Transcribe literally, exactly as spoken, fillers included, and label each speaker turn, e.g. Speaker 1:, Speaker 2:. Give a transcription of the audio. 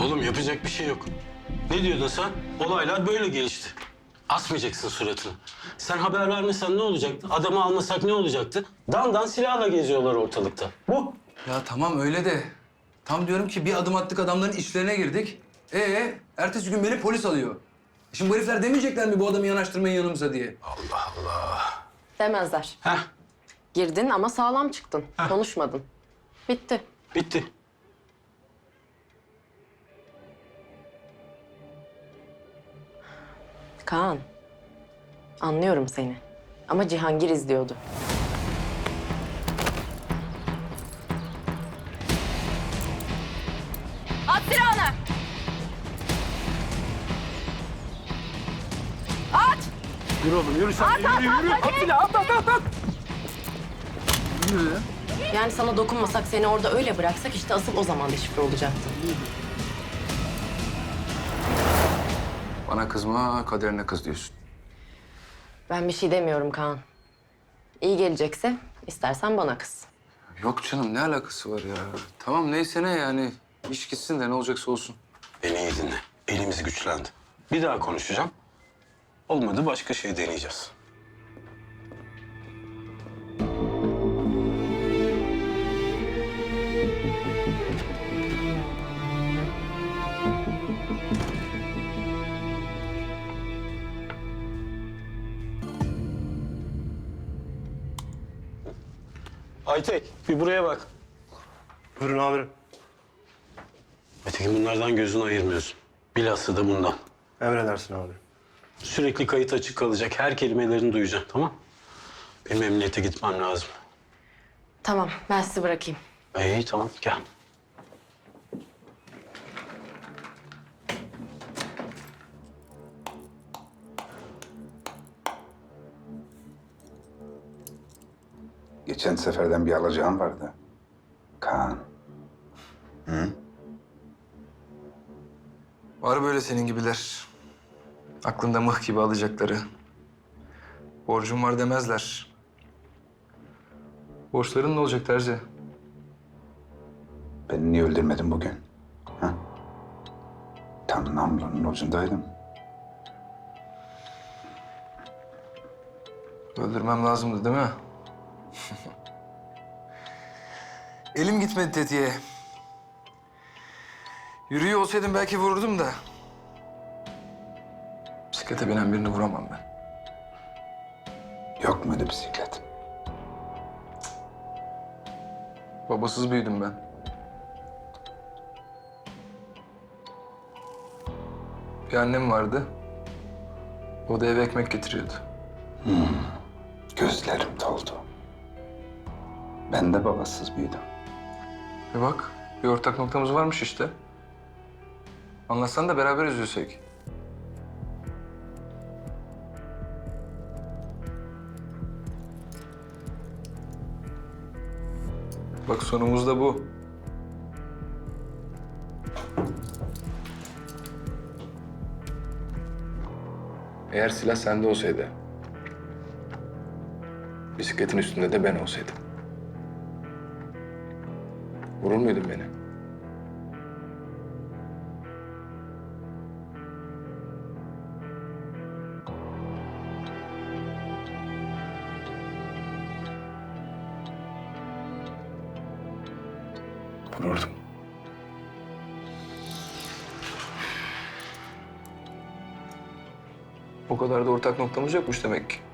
Speaker 1: Oğlum yapacak bir şey yok. Ne diyordun sen? Olaylar böyle gelişti. Asmayacaksın suratını. Sen haber vermesen ne olacaktı? Adamı almasak ne olacaktı? Dan silahla geziyorlar ortalıkta. Bu.
Speaker 2: Ya tamam öyle de. Tam diyorum ki bir adım attık adamların işlerine girdik. Ee, ertesi gün beni polis alıyor. Şimdi bu herifler demeyecekler mi bu adamı yanaştırmayın yanımıza diye?
Speaker 1: Allah Allah.
Speaker 3: Demezler.
Speaker 1: Heh,
Speaker 3: Girdin ama sağlam çıktın. Konuşmadın. Bitti.
Speaker 1: bitti.
Speaker 3: Kaan. Anlıyorum seni. Ama Cihangir izliyordu.
Speaker 4: At silahını! At!
Speaker 1: Yürü oğlum yürü sen.
Speaker 4: At,
Speaker 1: yürü,
Speaker 4: at,
Speaker 1: yürü,
Speaker 4: at,
Speaker 1: yürü.
Speaker 4: hadi!
Speaker 1: silahı, at, at, at, at.
Speaker 3: Yani sana dokunmasak, seni orada öyle bıraksak işte asıl o zaman deşifre olacaktın.
Speaker 2: Bana kızma, kaderine kız diyorsun.
Speaker 3: Ben bir şey demiyorum Kaan. İyi gelecekse istersen bana kız.
Speaker 2: Yok canım, ne alakası var ya? Tamam neyse ne yani. İş gitsin de ne olacaksa olsun.
Speaker 1: Beni iyi dinle. Elimiz güçlendi. Bir daha konuşacağım. Olmadı başka şey deneyeceğiz. Aytek, bir buraya bak.
Speaker 5: Buyurun amirim.
Speaker 1: Aytekin bunlardan gözünü ayırmıyorsun. Bilhassa da bundan.
Speaker 5: Emredersin amirim.
Speaker 1: Sürekli kayıt açık kalacak. Her kelimelerini duyacaksın, tamam? Benim emniyete gitmem lazım.
Speaker 3: Tamam, ben sizi bırakayım.
Speaker 1: İyi, tamam. Gel.
Speaker 6: Geçen seferden bir alacağım vardı. Kaan.
Speaker 2: Var böyle senin gibiler. Aklında mıh gibi alacakları. Borcum var demezler. Borçların ne olacak Terzi?
Speaker 6: Beni niye öldürmedin bugün? Ha? Tam namlunun ucundaydım.
Speaker 2: Öldürmem lazımdı değil mi? Elim gitmedi tetiğe. Yürüyor olsaydım belki vururdum da. Bisiklete binen birini vuramam ben.
Speaker 6: Yok muydu bisiklet?
Speaker 2: Babasız büyüdüm ben. Bir annem vardı. O da eve ekmek getiriyordu.
Speaker 6: Gözlerim doldu. Ben de babasız büyüdüm.
Speaker 2: Ve bak, bir ortak noktamız varmış işte. Anlatsan da beraber üzülsek. Bak sonumuz da bu. Eğer silah sende olsaydı, bisikletin üstünde de ben olsaydım, vurur muydun beni?
Speaker 6: Vururdum.
Speaker 2: O kadar da ortak noktamız yokmuş demek ki.